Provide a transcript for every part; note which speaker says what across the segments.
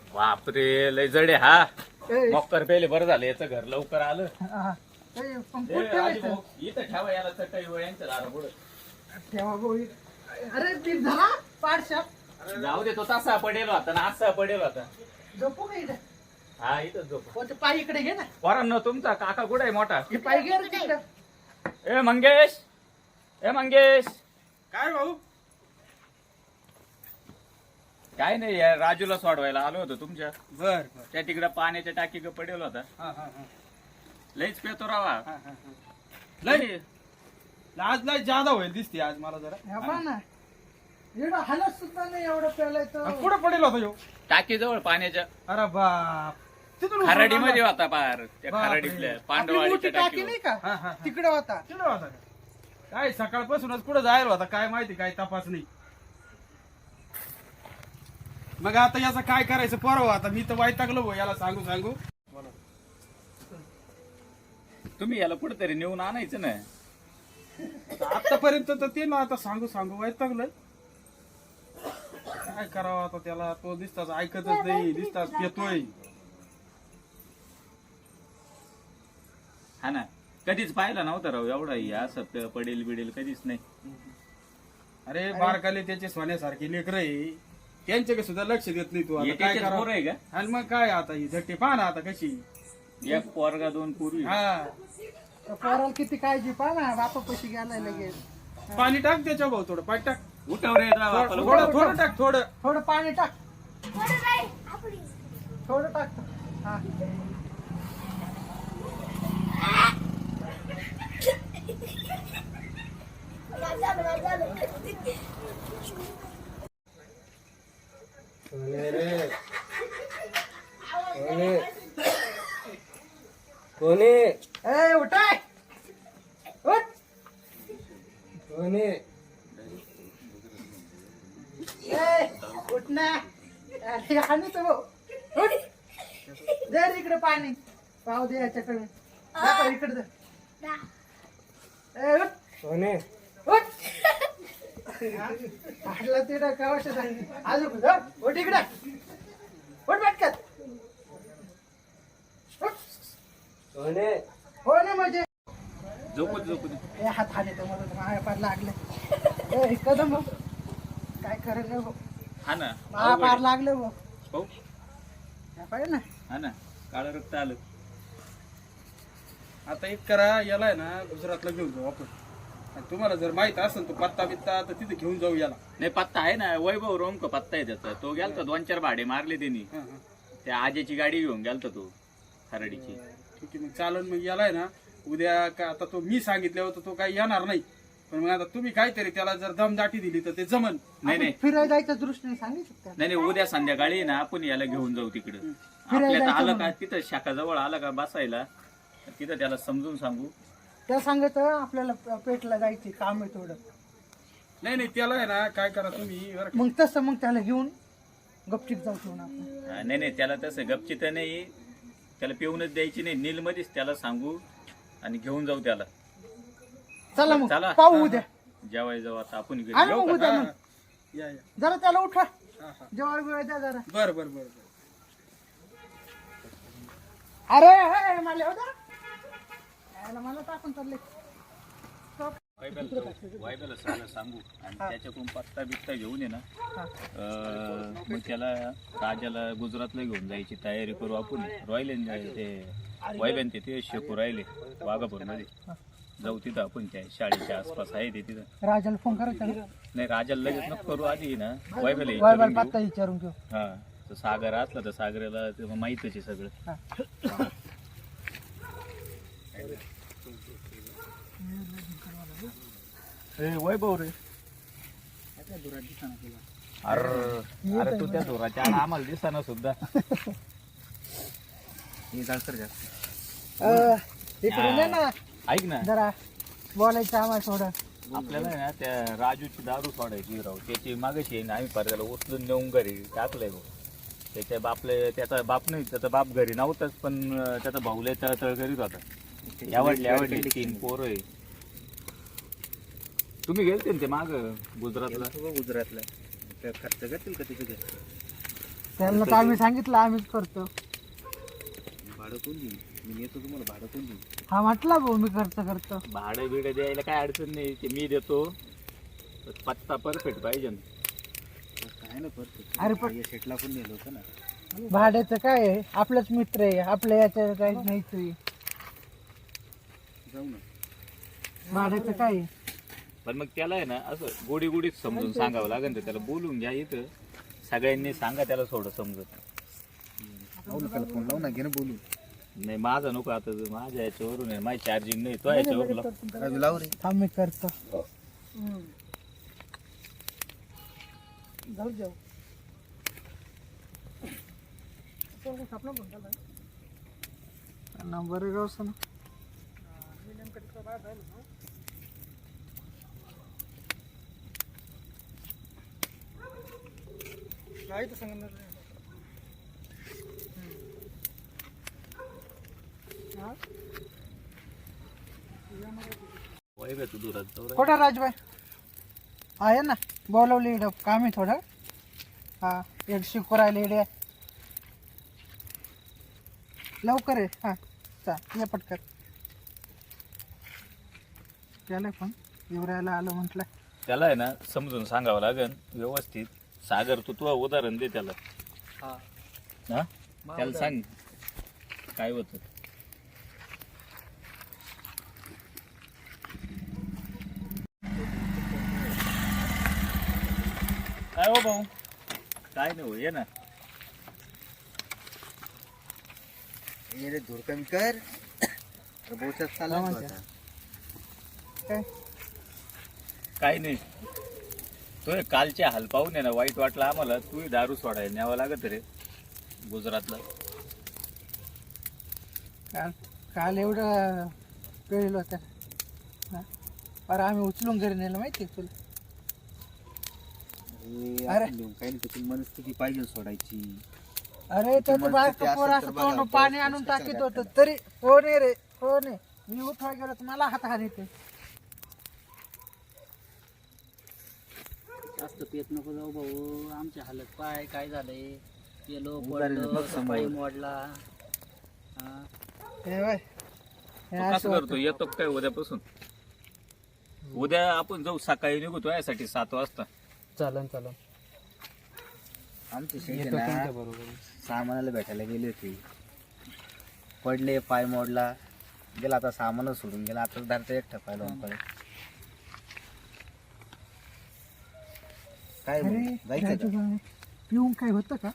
Speaker 1: बापरे लय जडे हा मक्कर पेले बरं झालं याचं घर लवकर आलं. इथं ठेवा याला चटई यांच्या दारा पुढे
Speaker 2: अरे ती झाला पाडशा
Speaker 1: जाऊ दे तो तसा पडेल होता ना असा पडेल होता.
Speaker 2: झोपू का इथे
Speaker 1: हा इथं झोप.
Speaker 2: पाय इकडे घे ना.
Speaker 1: पोरांनो तुमचा काका कुठे आहे मोठा?
Speaker 2: पाय घे रे तिकडे.
Speaker 1: ए मंगेश ए मंगेश
Speaker 3: काय भाऊ?
Speaker 1: काय नाही या राजूला सोडवायला आलो होतो तुमच्या.
Speaker 3: बर
Speaker 1: त्या तिकडे पाण्याच्या टाकी पडेल होता. लईच पेतो रावा.
Speaker 3: लय आज लय जादा होईल दिसते आज मला जरा.
Speaker 2: हा पहा ना एवढं हालत सुद्धा नाही एवढं प्यायलाय तर.
Speaker 3: कुठं पडेल होता ह्यो?
Speaker 1: टाकी जवळ पाण्याच्या
Speaker 3: अरे बाप तिथून
Speaker 1: खराडी मध्ये होता पार. त्या
Speaker 3: बापरे.
Speaker 1: खराडीतल्या
Speaker 2: आपली
Speaker 1: पांडवाडीच्या
Speaker 2: मोठी टाकी नाही
Speaker 1: टाकीवर.
Speaker 2: का तिकडे होता.
Speaker 3: तिकडं होता का? काय सकाळपासूनच कुठं जायला होता काय माहिती काय तपास नाही. मग आता याचं काय करायचं परवा आता मी तर वैतागलो भाऊ याला सांगू सांगू.
Speaker 1: तुम्ही याला कुठेतरी नेऊन आणायचं ना.
Speaker 3: आतापर्यंत तर ते ना आता सांगू सांगू वैतागलोय. काय करावं आता त्याला तो दिसताच ऐकतच नाही दिसताच येतोय.
Speaker 1: हा ना कधीच पाहिला नव्हता राव एवढा असं पडेल बिडेल कधीच नाही.
Speaker 3: अरे बारकाले त्याचे सोन्यासारखे लेकर आहे त्यांच्याकडे सुद्धा लक्ष देत नाही तू आता काय
Speaker 1: त्याचेच पोरं
Speaker 3: करावं.
Speaker 1: आहे का?
Speaker 3: आणि मग काय आता ही झट्टी पहा ना आता कशी.
Speaker 1: एक पोरगा दोन पूर्वी.
Speaker 3: हा
Speaker 2: पोराला किती काळजी पहा ना बापा कशी गेलाय लगेच.
Speaker 3: पाणी टाक त्याच्या भाऊ थोडं पाणी टाक.
Speaker 1: उठाव रे राव आपलं,
Speaker 3: थोडं
Speaker 1: उठाव.
Speaker 3: थोडं टाक थोडं.
Speaker 2: थोडं पाणी टाक. थोडं टाक. हा
Speaker 4: कोणी
Speaker 2: ए उठाय उठ.
Speaker 4: कोणी
Speaker 2: ए उठ ना. अरे हानी तो उठ. दे रे इकडे पाणी पाव दे याच्याकडे. दाखव इकडे दे. ए उठ
Speaker 4: कोणी
Speaker 2: उठ. काढला तिकडे कवाशा सांगितली अजून जा. उठ इकडे उठ पटकन उठ.
Speaker 4: कोणी
Speaker 2: हो ना म्हणजे
Speaker 1: झोपत झोपत.
Speaker 2: ए हात हाने तर मला माया पार लागले. ए कदम भाऊ काय करेल भाऊ
Speaker 1: हा ना
Speaker 2: माया पार लागले भाऊ.
Speaker 1: हो
Speaker 2: पाहिजे ना.
Speaker 1: हा ना काळं रक्त आलं.
Speaker 3: आता एक करा याला आहे ना गुजरातला घेऊन जाऊ आपण. आणि तुम्हाला जर माहित असेल तो पत्ता बित्ता तर तिथे घेऊन जाऊ याला.
Speaker 1: नाही पत्ता आहे ना वैभव रोमक पत्ता आहे त्याचा. तो गेलता 2-4 भाडे मारले त्यांनी.
Speaker 3: हा, हा.
Speaker 1: त्या आजेची गाडी घेऊन गेलता तो खराडीची.
Speaker 3: ठीक आहे मग चालन मग याला आहे ना उद्या का आता तो मी सांगितल्यावर तर तो काही येणार नाही. पण मग आता तुम्ही काहीतरी त्याला जर दमदाटी दिली तर ते जमन.
Speaker 1: नाही नाही
Speaker 2: फिरायला जायच्या दृष्टीने सांगितलं.
Speaker 1: नाही नाही उद्या संध्याकाळी ना आपण याला घेऊन जाऊ तिकडे. आपल्यात
Speaker 2: जायचं
Speaker 1: आलं का
Speaker 2: म्हणून.
Speaker 1: तिथं शाखाजवळ आलं का बसायला तिथं त्याला समजून सांगू.
Speaker 2: त्या सांगत आपल्याला पेटला जायचे काम आहे थोडं.
Speaker 3: नाही नाही त्याला आहे ना काय करा तुम्ही बरं का.
Speaker 2: मग तसं मग त्याला घेऊन गपचिप जाऊ ठेवून आपण.
Speaker 1: नाही नाही त्याला तसं गपचित नाही. त्याला पिऊनच द्यायची नाही. नील मध्येच त्याला सांगू आणि घेऊन जाऊ त्याला.
Speaker 2: चला मग
Speaker 1: चला.
Speaker 2: पाहू उद्या.
Speaker 1: जेवाय जाऊ आता आपण घरी.
Speaker 2: आणि
Speaker 1: येऊ
Speaker 2: मग
Speaker 1: का?
Speaker 2: उद्या
Speaker 3: हा,
Speaker 2: मग
Speaker 3: या या
Speaker 2: जरा त्याला उठवा
Speaker 3: हा, हा.
Speaker 2: जेवायला वेळ द्या जरा.
Speaker 3: बरं बरं बरं बरं.
Speaker 2: अरे हे, मला येऊ द्या. याला मला टाकून चालले.
Speaker 1: वायब्याला सगळं सांगू आणि त्याच्याकडून पत्ता बित्ता घेऊन ये ना. मग त्याला राजाला गुजरातला घेऊन जायची तयारी करू आपण. राहिले ते वायब्यान ते शेकू राहिले वाघापूर मध्ये. जाऊ तिथं आपण त्या शाळेच्या आसपास आहे ते तिथं.
Speaker 2: राजाला फोन करायचा ना.
Speaker 1: नाही राजाला लगेच नको करू आधी ना वायब्याला
Speaker 2: वायबाला
Speaker 1: विचारून घेऊ.
Speaker 2: पत्ता विचारून घेऊ.
Speaker 1: हा तर सागर असला तर सागराला ते माहितच आहे सगळं.
Speaker 2: हा.
Speaker 1: वैभव रे अरे तू त्या धुराच्या आड आम्हाला दिसताना सुद्धा.
Speaker 2: इकडे ये ना
Speaker 1: ऐक ना
Speaker 2: जरा बोलायचं आम्हाला थोडं.
Speaker 1: आपल्याला आहे ना त्या राजूची दारू सोडायची राव. त्याची मागायची आहे ना आम्ही परत उचलून नेऊन घरी टाकलंय भाऊ. त्याच्या बापले त्याचा बाप नाही त्याचा बाप घरी नव्हताच पण त्याचा भाऊला तळतळ करीत होता. आवडले 3 पोरं आहे. तुम्ही गेलते ना ते माग गुजरातला.
Speaker 4: गुजरातला खर्च करतील का तिथे?
Speaker 2: त्यांना तर आम्ही सांगितलं आम्हीच करतो.
Speaker 1: भाडं कोण देईल? मी येतो तुम्हाला भाडं कोण देईल?
Speaker 2: हा म्हटला भाऊ मी खर्च करतो.
Speaker 1: भाडं बिडं द्यायला काय अडचण नाही, ते मी देतो. पत्ता परफेक्ट पाहिजे ना. काय ना परफेक्ट.
Speaker 2: अरे पण
Speaker 1: शेटला पण नेलं होतं ना.
Speaker 2: भाड्याचं काय आहे, आपलाच मित्र आहे, आपल्या याच्या काही नाहीच.
Speaker 1: जाऊ ना.
Speaker 2: भाड्याचं काय आहे?
Speaker 1: पण मग त्याला आहे ना असं गोडी गोडीत समजून सांगावं लागेल. तर त्याला बोलून घ्या इथं, सगळ्यांनी सांगा त्याला थोडं समजत. फोन लावू ना, घे ना बोलू. नाही माझा नको आता, माझ्या याच्यावरून आहे, माझी चार्जिंग नाही, तो याच्यावर लाव रे.
Speaker 2: थांब मी करतो. जाऊ जाऊ नंबर गावसा ना. खोटा राजबाई आहे ना, बोलवली इकडं काम आहे थोडं. हा एक शिकू राहिले इकडे, लवकर आहे. हा चा ये पटकन. त्याला पण येवरायला आलं म्हटलं.
Speaker 1: त्याला आहे ना समजून सांगावं लागेल व्यवस्थित. सागर तू उदाहरण दे त्याला. हा त्याला सांग काय होत. काय हो भाऊ? काय नाही हो, ये ना.
Speaker 4: ये धूर कमी कर.
Speaker 2: काय
Speaker 1: काय नाही. तो कालचे हाल पाहून आहे ना वाईट वाटलं आम्हाला. तू दारू सोडायला न्यावं लागत रे गुजरातला.
Speaker 2: काल काल एवढं पेळलं होतं हा. पर आम्ही उचलून घरी नेलं माहिती आहे तुला. अरे
Speaker 4: काही नाही, मनस्थिती पाहिजे सोडायची.
Speaker 2: अरे त्याचं बायको पोर असं तोंड पाणी आणून टाकीत होतं तरी कोण आहे रे कोण आहे. मी उठवा गेलो तर मला हात हात येते.
Speaker 5: जास्त पेत नको जाऊ भाऊ, आमची हालत पाय काय झालंय. पेलो पडलो पाय मोडला.
Speaker 2: हे बाय
Speaker 1: तो कसं करतो? येतो काय उद्यापासून? उद्या आपण जाऊ, सकाळी निघू तो यासाठी 7 वाजता.
Speaker 5: चालन चालन.
Speaker 4: आमचे शेठ सामानाला भेटायला गेले होते, पडले, पाय मोडला. गेला आता सामानच सोडून गेला. आता धरता एकटा पाय लावून पडे. काय
Speaker 2: अरे
Speaker 4: जायचं का?
Speaker 2: राजूभाई, पिऊन काय होतं का?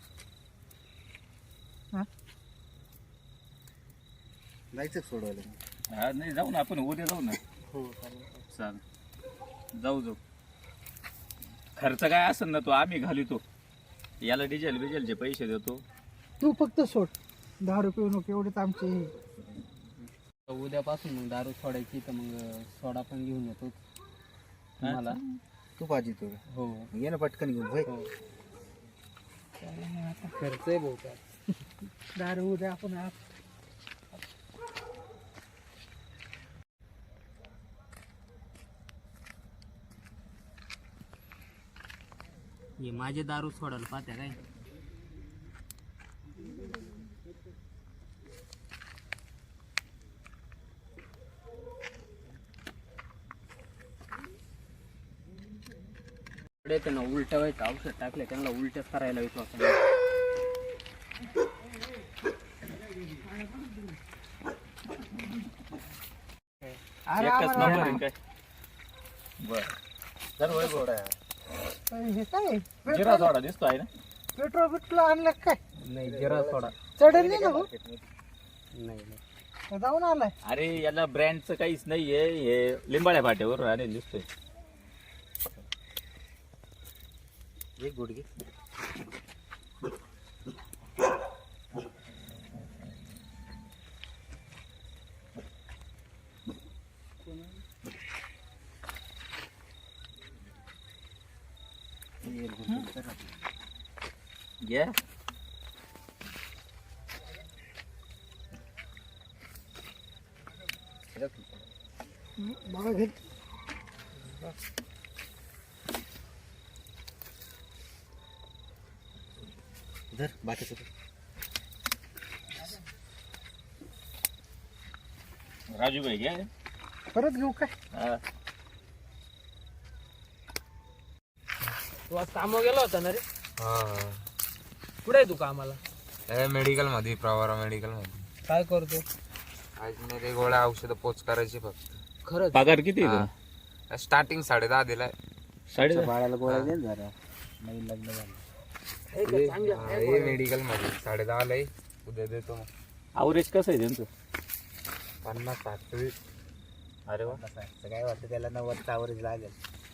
Speaker 4: जायचं सोडवायला.
Speaker 1: हा नाही जाऊ ना आपण उद्या जाऊ ना.
Speaker 5: हो
Speaker 1: चाल जाऊ. खर्च काय असेल ना तो आम्ही घालितो. याला डिझेल बिझेलचे पैसे देतो.
Speaker 2: तू फक्त सोड, दारू पिऊ नको एवढेच आमचे.
Speaker 5: उद्यापासून मग दारू सोडायची तर मग सोडा पण घेऊन येतो मला.
Speaker 4: तू पाहिजे तू.
Speaker 5: हो
Speaker 4: ये ना पटकन घेऊन भाई.
Speaker 5: खर्च आहे भाऊ काय.
Speaker 2: दारू उद्या आपण
Speaker 5: हे माझे दारू सोडायला पाहत्या काय. त्यांना उलट व्हायचं औषध टाकले, त्यांना उलट्याच करायला येतो आपण.
Speaker 1: एकच नंबर आहे काय. बर सर्व सोडा.
Speaker 2: हे काय
Speaker 1: जिरा सोडा दिसतो आहे ना.
Speaker 2: पेट्रोल बिट्रोल आणलं काय?
Speaker 5: नाही जिरा सोडा
Speaker 2: चढेल नाही ना भाऊ?
Speaker 5: नाही
Speaker 2: जाऊन आलाय.
Speaker 1: अरे याला ब्रँडचं काहीच नाहीये. हे लिंबाळ्या फाट्यावर आणि दिसतोय.
Speaker 4: एक गुडघे.
Speaker 1: घ्या.
Speaker 2: बघा घेत
Speaker 4: धर बाकीचं कर.
Speaker 1: राजू भाई घ्या
Speaker 2: परत घेऊ काय
Speaker 1: हा.
Speaker 5: तू आज कामावर गेला होता ना रे
Speaker 6: हा
Speaker 5: कुठे आहे तू कामाला
Speaker 6: मेडिकल मध्ये प्रवारा मेडिकल मध्ये
Speaker 5: काय करतो
Speaker 6: आज मध्ये गोळ्या औषधं पोच करायची फक्त
Speaker 5: खरंच
Speaker 1: पगार किती आहे तो?
Speaker 6: स्टार्टिंग 10.5 दिलाय
Speaker 1: साडे
Speaker 4: बाळाला गोळ्या दे ना जरा नवीन लग्न झालं.
Speaker 6: हे मेडिकल मध्ये 10.5 लय उद्या देतो मग.
Speaker 1: अवरेज कसं आहे त्यांचं?
Speaker 6: 50-60
Speaker 1: अरे वा.
Speaker 4: असं काय वाटतं त्याला 90चा ॲव्हरेज लागेल.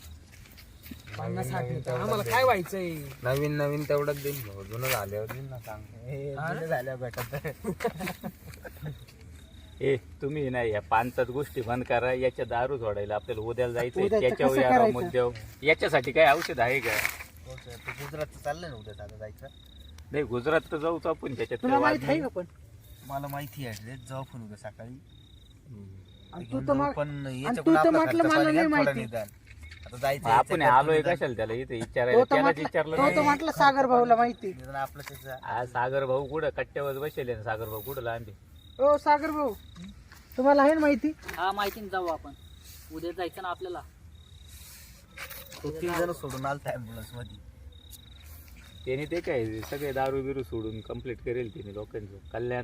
Speaker 5: 50-60 आम्हाला काय व्हायचंय
Speaker 6: नवीन तेवढंच देईन भाऊ. जुनं झाल्यावर देईन ना सांग.
Speaker 4: हे जुनं झालं भेटत.
Speaker 1: ए तुम्ही नाही या पानसात गोष्टी बंद करा. याच्या दारू सोडायला आपल्याला उद्याला जायचंय.
Speaker 2: उद्याचं
Speaker 1: त्याच्यावर
Speaker 2: कसं
Speaker 1: या
Speaker 2: करायचं?
Speaker 1: मुद्द्यावर याच्यासाठी काय औषध आहे का?
Speaker 4: तू गुजरात चाललंय ना उद्या आता जायचं.
Speaker 1: नाही गुजरात तर जाऊच आपण. त्याच्यात
Speaker 2: तुला
Speaker 1: काही वाद
Speaker 2: माहित आहे
Speaker 1: नाही.
Speaker 2: का पण
Speaker 4: मला माहिती आहे रे, जाऊ पण उद्या सकाळी.
Speaker 2: आणि
Speaker 4: घेऊन
Speaker 2: तू तर
Speaker 4: जाऊ,
Speaker 2: मग-
Speaker 4: पण
Speaker 2: आणि
Speaker 4: याच्याकडून
Speaker 2: तू तर
Speaker 4: आपला
Speaker 2: म्हटलं
Speaker 4: खर्च
Speaker 2: मला
Speaker 4: पाणी
Speaker 2: नाही
Speaker 4: घ्या थोडं
Speaker 2: माहिती.
Speaker 4: निदान. आता जायचं
Speaker 1: आपण
Speaker 4: याचं
Speaker 1: आलोय
Speaker 4: निदान.
Speaker 1: कशाला त्याला इथे
Speaker 2: तो
Speaker 1: विचारायला?
Speaker 2: तर
Speaker 1: त्यालाच
Speaker 2: म्हटलं
Speaker 1: विचारलं
Speaker 2: तो तर
Speaker 1: नाही.
Speaker 2: म्हटलं सागर भाऊला माहिती.
Speaker 4: निदान आपलं त्याचं
Speaker 1: हा सागर भाऊ कुठं कट्ट्यावर बसेल ना? सागर भाऊ कुठं लांबी?
Speaker 2: ओ सागर भाऊ तुम्हाला आहे ना माहिती?
Speaker 5: हा माहिती ना जाऊ आपण उद्या जायचं ना आपल्याला
Speaker 4: तो 3 जण सोडून आलता ॲम्ब्युलन्स मध्ये.
Speaker 1: त्याने ते काय सगळे दारू बिरू सोडून कंप्लीट करेल त्याने लोकांचं कल्याण.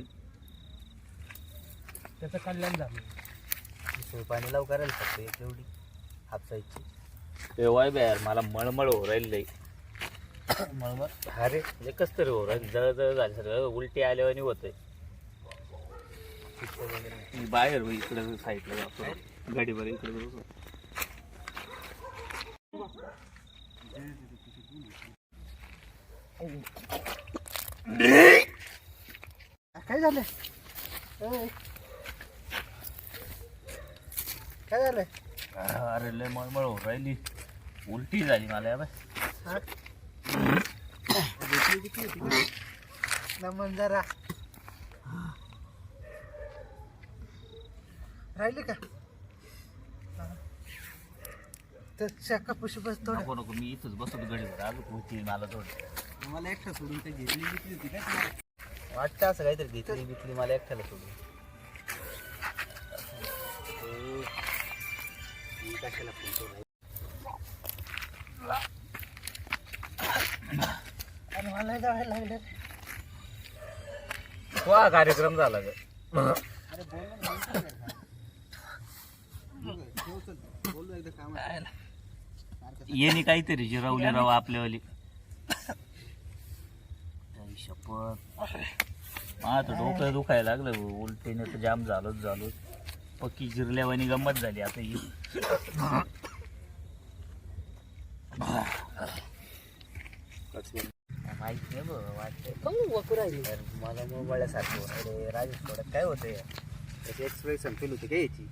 Speaker 5: त्याचं कल्याण झालं
Speaker 4: सोय पाणी लाव करायला फक्त एक एवढी हापसायची.
Speaker 1: तेव्हा यार मला मळमळ हो राहिली लई.
Speaker 4: मळमळ
Speaker 1: अरे म्हणजे कस तरी हो राहिली. जळजळ झाली सगळं. उलटी आल्यावानी होतंय. मी बाहेर हो इकडे साईडला जातो गाडीवर इकडे बरोबर.
Speaker 2: काय झालं ओय. काय झालंय?
Speaker 1: अरे लय मळमळ हो राहिली. उलटी झाली मला या बाय.
Speaker 2: हा? नमन जरा राहिले का? हा. तर शाखा पुशी बस थोडं.
Speaker 1: नको नको मी इथंच बसतो गाडीवर. अजून होती मला थोडं.
Speaker 4: मला एकटं सोडून ते घेतली घेतली होती का? वाटतं असं काहीतरी घेतली बितली मला एकट्याला सोडून. कशाला फोन
Speaker 2: आणि मला जायला लागलं.
Speaker 1: तो हा कार्यक्रम झाला ग. येणे काहीतरी जिरवले राव आपल्यावाली. आई शपथ मला तर डोकं दुखायला लागलं. उलटीने तर जाम झालोच. पक्की जिरल्यावानी गंमत झाली आता ही.
Speaker 4: माहित नाही बघ वाटतं. मला मोबाईलसारखं अरे राजेश थोड्यात काय होतं त्याची एक्सप्रेशन फील होते काय याची.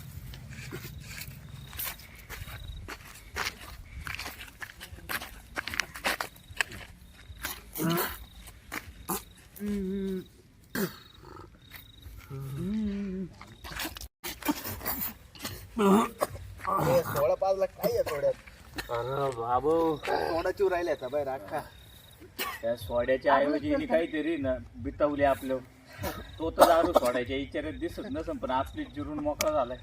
Speaker 4: सोळा पाचला काय आहे थोड्यात.
Speaker 1: अरे बाबू
Speaker 4: तोंडाची राहिल्या आता बाहेर अख्खा.
Speaker 1: त्या सोड्याच्या ऐवजी हिने काहीतरी ना बितवले आपलं. तो तर दारू सोडायच्या इचारात दिसत नसन पण आपली जिरून मोकळा झालाय.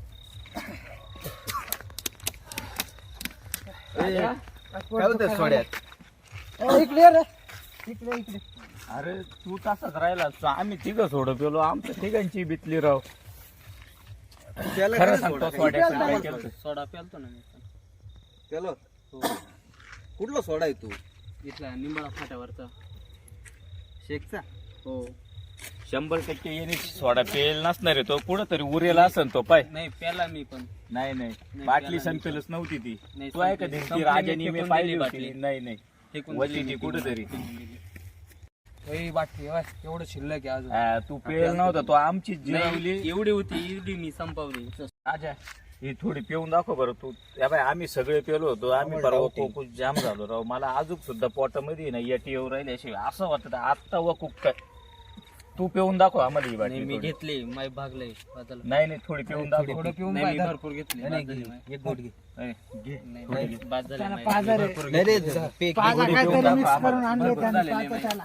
Speaker 4: काय होतं सोड्यात?
Speaker 2: इकडे ये रे. इकडे
Speaker 1: अरे तू तसाच राहिला. आम्ही तिघं सोडत गेलो. आमच्या तिघांची बितली राव.
Speaker 4: त्याला
Speaker 1: खरं
Speaker 4: काय
Speaker 1: सांगतो
Speaker 4: सोडा?
Speaker 1: सोड्याचं काय केलं.
Speaker 5: सोडा प्यालतो ना मी
Speaker 4: त्याला कुठला सोडा आहे तू?
Speaker 5: इथला निंबाळा फाट्यावरचा
Speaker 4: शेकचा?
Speaker 5: हो
Speaker 1: 100% येणे सोडा पेल नसणार आहे तो. कुठं तरी उरेल असन तो पाय.
Speaker 5: नाही प्याला मी पण
Speaker 1: नाही
Speaker 5: प्याला
Speaker 1: बाटली
Speaker 5: मी
Speaker 1: संपेलच नव्हती ती.
Speaker 5: नाही,
Speaker 1: तू आहे का
Speaker 5: संपली.
Speaker 1: ती
Speaker 5: संपली,
Speaker 1: राजानी
Speaker 5: फेकून
Speaker 1: मी पाहिली
Speaker 5: दिली
Speaker 1: होती.
Speaker 5: बाटली.
Speaker 1: नाही
Speaker 5: फेकून
Speaker 1: वरती
Speaker 5: दिली
Speaker 1: ती
Speaker 5: मी
Speaker 1: कुठेतरी.
Speaker 5: बाटली एवढं शिल्लक आहे अजून
Speaker 1: हा, तू पेल नव्हता तो. आमची जिरवली.
Speaker 5: नाही, एवढी होती एवढी मी संपवली
Speaker 1: राजा ही थोडी पिऊन दाखव बरं तू. या बाय आम्ही सगळे पेलो होतो. आम्ही परवा खूप जाम झालो राव. मला अजून सुद्धा पोटामध्ये ना येटी येऊ राहिली अशी असं वाटत आता व खूप काय. तू पिऊन दाखव आम्हाला ही
Speaker 5: नाही,
Speaker 1: बाटली
Speaker 5: मी
Speaker 1: थोडी.
Speaker 5: घेतली माय भागलंय बदल
Speaker 1: नाही थोडी पिऊन दाखव
Speaker 3: नाही, मी भरपूर घेतली
Speaker 5: एक गोट घे
Speaker 1: ए,
Speaker 5: नाही बाद झाली
Speaker 2: त्याला
Speaker 5: माय.
Speaker 2: पाझर आहे.
Speaker 4: नाही रे पे-
Speaker 2: पाझर
Speaker 1: पिऊन
Speaker 2: काहीतरी
Speaker 1: दाखव
Speaker 2: मिक्स
Speaker 1: आम्हाला.
Speaker 2: करून आणले त्याने
Speaker 5: झालेले
Speaker 2: पाझर त्याला.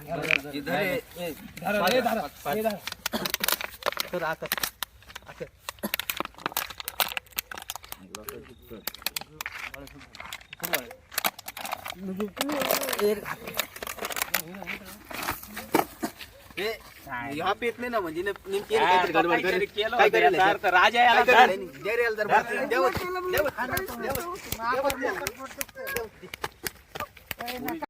Speaker 4: तर आता ह्या पेत नाही ना म्हणजे नेमकी काहीतरी गडबड
Speaker 1: काहीतरी
Speaker 4: करेल.
Speaker 1: केलं
Speaker 4: काय
Speaker 1: होतं
Speaker 4: करेल
Speaker 1: याचा अर्थ राजा याला
Speaker 4: काय
Speaker 1: धर.
Speaker 4: करेल? जर याला जर मारतील, देवच- देवच- देवच-
Speaker 2: आपण मोकट पडतो.